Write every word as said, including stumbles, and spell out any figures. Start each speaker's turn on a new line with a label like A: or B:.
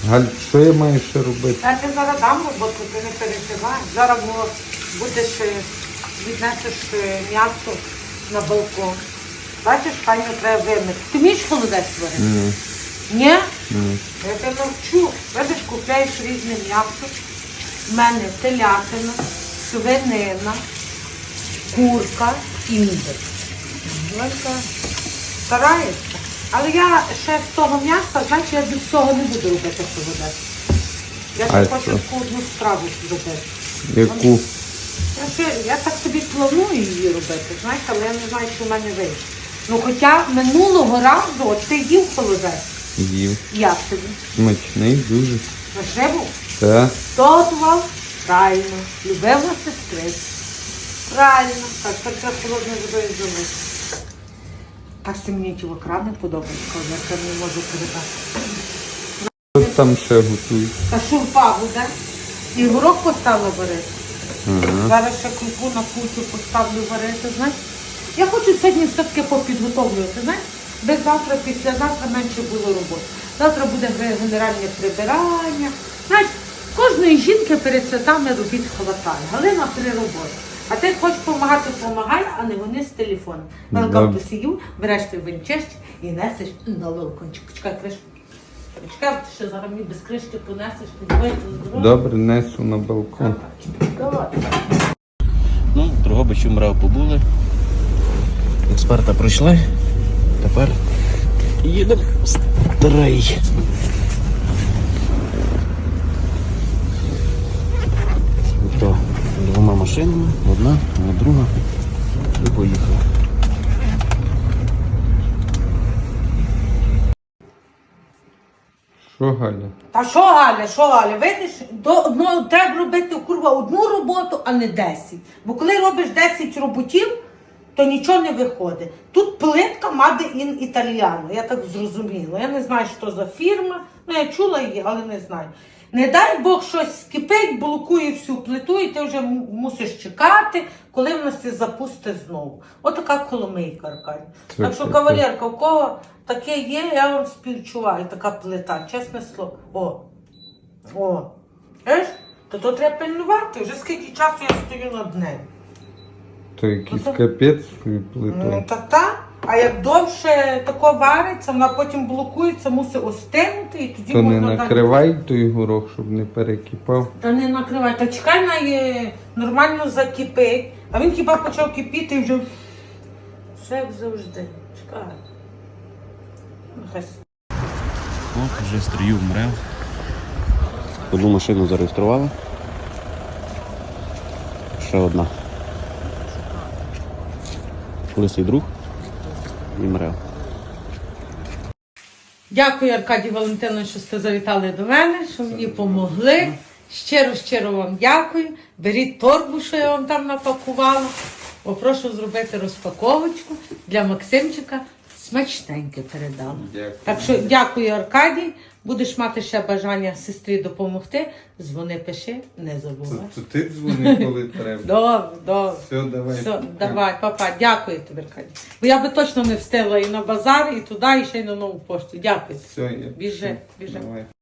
A: Галь, що я маю ще робити?
B: Я ти зараз дам роботу, ти не переживай. Зараз бо будеш, е, віднесеш е, м'ясо на балкон. Бачиш, файно треба вимити. Ти вмієш холодець варити?
A: Ні.
B: Ні?
A: Ні.
B: Я тебе навчу. Видиш, купляєш різне м'ясо. У мене телятина, свинина, курка і мідер. Ленька старається. Але я ще з того м'яса, значить, я від цього не буду робити холодець. Я
A: А
B: ще хочу
A: що?
B: таку одну страву зробити.
A: Яку?
B: Я, ще, я так собі планую її робити, знаєш, але я не знаю, що в мене вийде. Ну, хоча минулого разу от ти їв холодець.
A: Їв.
B: Як тобі?
A: Смачний дуже.
B: Наживу?
A: Так.
B: Хто готував? Правильно. Любила сестриця. Правильно. Так, так треба холодне водою зробити. Так це мені ті окрани подобається, коли я це не можу передати.
A: Що там ще готують?
B: Та шурпа буде. І горох поставила варити.
A: Ага.
B: Зараз ще крупу на кучу поставлю варити, знаєш. Я хочу сьогодні все-таки попідготовлювати, знаєш. Без завтра, післязавтра менше було роботи. Завтра буде генеральне прибирання. Знаєш, кожної жінки перед святами робіт хватає. Галина при роботі. А ти хочеш допомагати, допомагай, а не вони з телефоном. Великам посію, береш той винчесть і несеш на балкончик. Чекай, кришку. Чекай, ти ще зараз мені без кришки понесеш, підбити здоров'я.
A: Добре, несу на балкон.
B: Давай.
C: Ну, Дрогобичі МРЕВ побули. Експерта пройшли. Тепер їдемо в Старий. То двома машинами, одна, а друга. І поїхали.
A: Що, Галя?
B: Та що, Галя, що, Галя, видиш, до одного треба робити, курва, одну роботу, а не десять. Бо коли робиш десять роботів, то нічого не виходить. Тут плитка Made in Italiano, я так зрозуміла. Я не знаю, що за фірма, ну я чула її, але не знаю. Не дай Бог щось скипить, блокує всю плиту, і ти вже м- мусиш чекати, коли вона се запустить знову. Отака коломийка, Аркадій.
A: Це
B: Так що,
A: таке.
B: кавалерка, у кого таке є, я вам співчуваю, така плита, чесне слово. О, о, знаєш, то то треба пильнувати, вже скільки часу я стою над нею.
A: То якийсь
B: Ну, то-
A: капець свою
B: Ну,
A: плитою.
B: та та. А як довше тако вариться, вона потім блокується, мусить остинути і тоді
A: То не
B: можна далі.
A: накривай той горох, щоб не перекипав.
B: Та не накривай, та чекай, на є нормально закипить. А він хіба почав кипіти і вже все як завжди. Чекай. Нехай.
C: От, вже стрію в МРЕВ. Одну машину зареєстрували. Ще одна. Лисий друг і МРЕВ.
B: Дякую, Аркадій Валентинович, що сте завітали до мене, що мені допомогли. Щиро-щиро вам дякую. Беріть торбу, що я вам там напакувала. Попрошу зробити розпаковочку для Максимчика. Смачненьке передала.
A: Дякую.
B: Так що дякую, Аркадій. Будеш мати ще бажання сестрі допомогти. Дзвони, пиши, не забувай.
A: То ти дзвони, коли треба.
B: Добре, добре.
A: Все, давай.
B: Все, давай, папа, дякую тобі, Аркадій. Бо я би точно не встигла і на базар, і туди, і ще й на нову пошту. Дякую.
A: Все, я
B: Біжи,
A: пішов.
B: біжи.
A: Давай.